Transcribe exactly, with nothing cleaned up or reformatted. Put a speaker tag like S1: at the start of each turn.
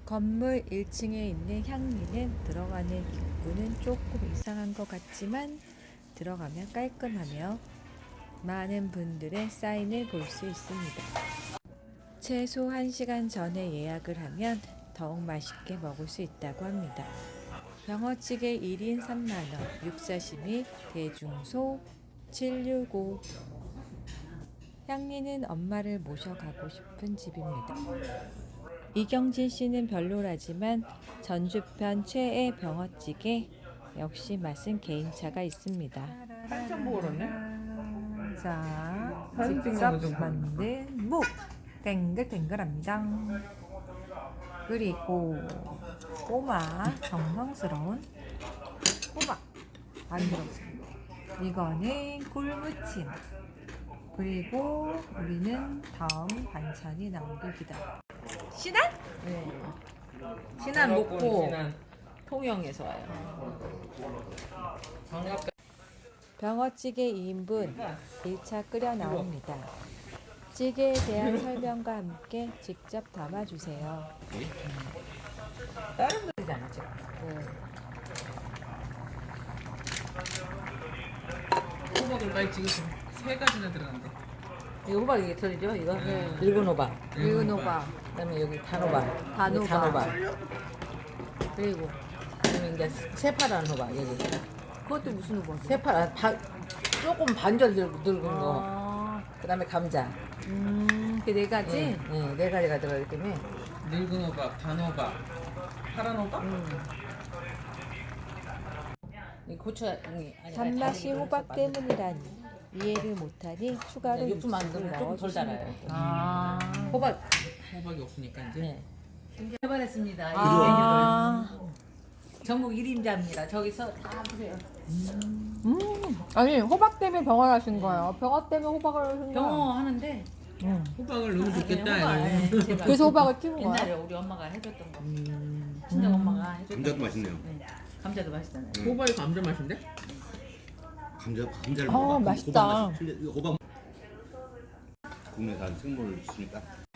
S1: 건물 일 층에 있는 향리는 들어가는 입구는 조금 이상한 것 같지만 들어가면 깔끔하며 많은 분들의 사인을 볼 수 있습니다. 최소 한 시간 전에 예약을 하면 더욱 맛있게 먹을 수 있다고 합니다. 병어찌개 일 인 삼만 원, 육사시미, 대중소 칠백육십오. 향리는 엄마를 모셔가고 싶은 집입니다. 이경진 씨는 별로라지만 전주편 최애 병어찌개 역시 맛은 개인차가 있습니다.
S2: 한참 먹었네.
S1: 자,
S2: 사진
S1: 직접
S2: 찍는 거
S1: 만든 묵 땡글땡글합니다. 그리고 꼬마 정성스러운 꼬마 만들었습니다. 이거는 굴무침. 그리고 우리는 다음 반찬이 나오기다. 신안?
S2: 네.
S3: 신안 먹고
S2: 신안.
S3: 통영에서 와요.
S2: 반갑게.
S1: 병어찌개 이 인분 일 차 끓여 나옵니다. 찌개에 대한 설명과 함께 직접 담아주세요.
S3: 다른 분이잖아 지금.
S1: 네.
S2: 호박을까지 지금 세 가지나 들어간대.
S3: 이거 호박 이게 털이죠? 이거
S2: 네.
S3: 늙은 호박.
S1: 늙은 호박,
S3: 그다음에 여기 단호박.
S1: 단호박.
S3: 여기 단호박.
S1: 그리고
S3: 그다음에 이제 새파란 호박 여기.
S1: 그것도 무슨 호박이에요?
S3: 새파란 바, 조금 반절 늙, 늙은 거.
S1: 아,
S3: 그다음에 감자.
S1: 음, 그 네 가지?
S3: 네, 네, 네 가지가 들어가기 때문에.
S2: 늙은 호박, 단호박, 파란 호박.
S3: 음. 이 고추 아니 아니,
S1: 단맛이
S3: 아니,
S1: 호박
S3: 아니,
S1: 때문이라니 이해를 못하니 추가로
S3: 육수
S1: 육수를
S3: 만들면 조금 덜
S1: 넣어주시면
S3: 달아요.
S1: 됩니다.
S3: 아.
S1: 아,
S3: 호박.
S2: 호박이 없으니까 이제.
S3: 네. 해발했습니다.
S1: 아,
S3: 전국 일 인자입니다. 저기서 다 보세요.
S4: 음, 아니 호박 때문에 병원 하신 거예요. 병원 때문에 호박을 하신 거예요.
S3: 병어 하는데
S4: 음.
S2: 호박을 넣으면 좋겠다.
S3: 호박,
S2: 이거.
S3: 예, 제가
S4: 그래서 호박을 키운 거예요.
S3: 옛날에 우리 엄마가 해줬던 거.
S2: 음.
S3: 친정 엄마가 해줬던
S5: 감자도
S3: 거.
S5: 맛있네요.
S3: 네. 감자도 맛있잖아요.
S2: 호박이 감자 맛인데?
S5: 감자 감자를
S4: 아,
S5: 먹어봐.
S4: 맛있다.
S5: 호박 맛이 틀려. 이거 호박 국내산 생물을 쓰니까